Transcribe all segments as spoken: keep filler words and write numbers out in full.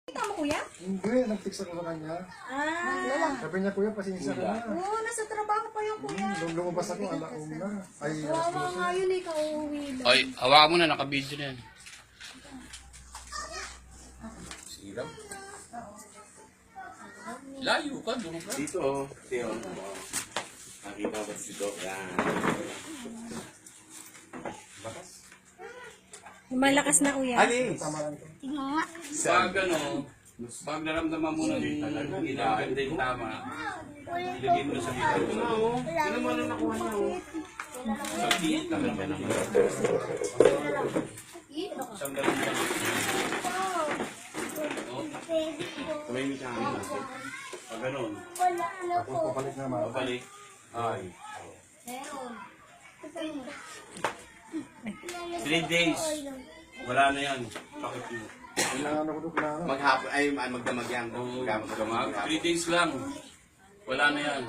Kita mo, kuya? Hindi, nag-text ako sa kanya. Ah. Sabi niya, kuya, pasensya ka na. Oo, nasa trabaho pa yung kuya. Hmm, lumabas ako, alauna. Ay, Wawa nga yun eh, kauwi lang. Ay, hawakan mo na, naka-video na yan. Siram. Layo ka, doon ka. Dito, oh. Dito, oh. Nakita ko dito. Yan. Malakas na, kuya. Alis! Pag ano, pag naramdaman mo na yung ginaganda yung tama, ilagay mo na sa video. Ano mo na nakuha niya, oh? Sa diet lang naman naman. Isang ganun lang. Oh, Tumahimik ka nga. pag ganun, Tapos papalik naman. babalik. Ay. Three days. Wala na yan. Bakit mo? Kailangan ako doon na. Maghapon, ay magdamag yan. Oo, Magdamag. gamag. Three days lang. Wala na yan.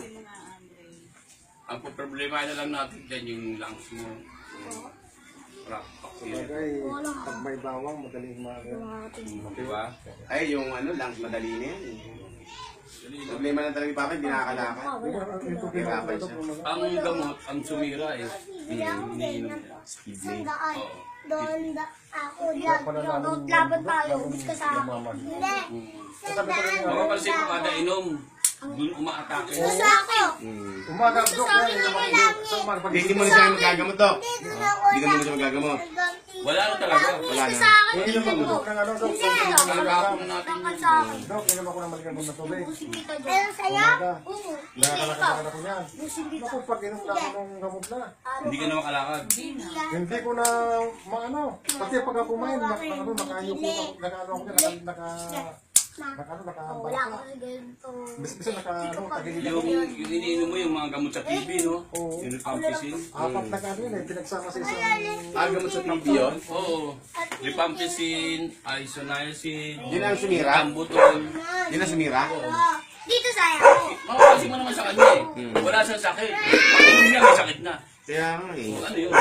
Ang problema na lang natin dyan yung lungs mo. Rock, yan. Bagay, pag may bawang, madaling maaga. Diba? Ay, yung ano lang, madali na yan. Problema lang talaga yung papa, hindi nakakalakad. Yung problema ko ito, kung mga- Ang gamot, ang sumira eh. Iniinom niya. Speedway. Oo. Doon da ako laban laban tayo gusto sa akin. Hindi. Sandaan. Mapapansin ko kada inom, dun umaatake. Gusto ako. Hmm. Umaga, Dok, yan, yung mga sa mga pag- Hindi mo na siya magagamot, Dok. Dito na ako. Hindi ka muna siya magagamot. Wala na talaga. Wala na. Sa akin. Eh, inom ako, Dok, ng ano, Dok, kung hindi ko Nagkakapon nalalaman. na natin Bakit yun. sa akin? Dok, inom ako ng maligamot na tubig. Pero sa'yo? Umaga. Oo. Nakakalakad ako niyan. Busin dito. Naku, pag inom na ako ng gamot na. Hindi ka na makalakad. Hindi ko na maano. Kasi pag ako kumain, nak, ano, nakayuko ako, nakaano ako niya, naka, naka, naka, ano, Wala nakabalik ko na. ganito. Bis-bisa naka, ano, tagilid ako. Yung, yung iniinom mo yung mga gamot sa T V, no? Oo. Yung rifampicin. Apat na kano yun eh, pinagsama sa isang... Ah, gamot sa T V yun? Oo. Rifampicin, isoniazid, Yun ang sumira? Tambutol. Yun ang sumira? Dito sa'yo. Makapansin mo naman sa kanya eh. Wala siyang sakit. Pag niya may sakit na. Kaya nga eh. Ano yun?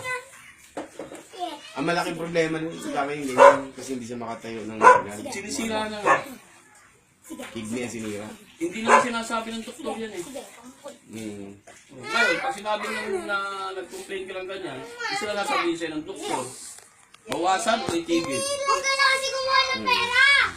Ang malaking problema nun sa kami yung ganyan kasi hindi siya makatayo ng magal. Sinisira na nga. Kidney ang sinira. Hindi naman sinasabi ng doktor yan eh. Hmm. Ngayon, pag sinabi nung na nag-complain ka lang ganyan, isa na sabihin sa'yo ng doktor. Bawasan o itigil. Huwag ka na kasi kumuha ng pera.